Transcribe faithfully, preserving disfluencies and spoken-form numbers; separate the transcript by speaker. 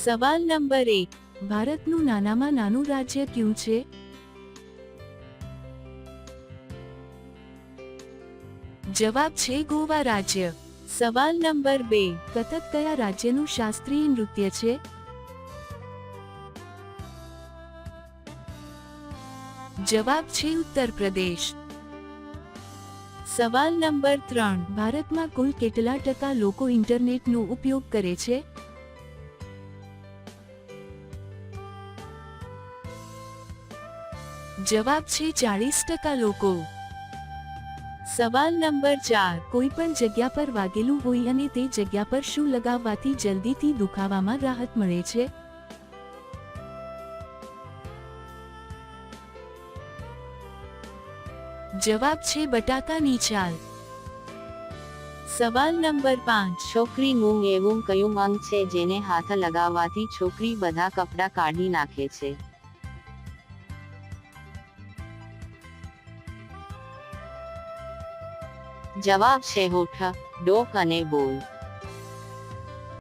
Speaker 1: સવાલ નંબર એક, ભારતનું નાનામાં નાનું રાજ્ય કયું છે? જવાબ છે ગોવા રાજ્ય. સવાલ નંબર બે, કથક કયા રાજ્યનું શાસ્ત્રીય નૃત્ય છે? જવાબ છે ઉત્તર પ્રદેશ. સવાલ નંબર ત્રણ, ભારતમાં કુલ કેટલા ટકા લોકો ઇન્ટરનેટનો ઉપયોગ કરે છે? જવાબ છે ચાલીસ ટકા લોકો. સવાલ નંબર ચાર, કોઈ પણ જગ્યા પર વાગેલું હોય અને તે જગ્યા પર શું લગાવવાથી જલ્દીથી દુખાવામાં રાહત મળે છે? જવાબ છે બટાકાની છાલ. સવાલ નંબર પાંચ,
Speaker 2: છોકરીનું એવું કયું અંગ છે જેને હાથ લગાવવાથી છોકરી બધા કપડાં કાઢી નાખે છે? જવાબ છે હોઠ, ડોક અને બોલ.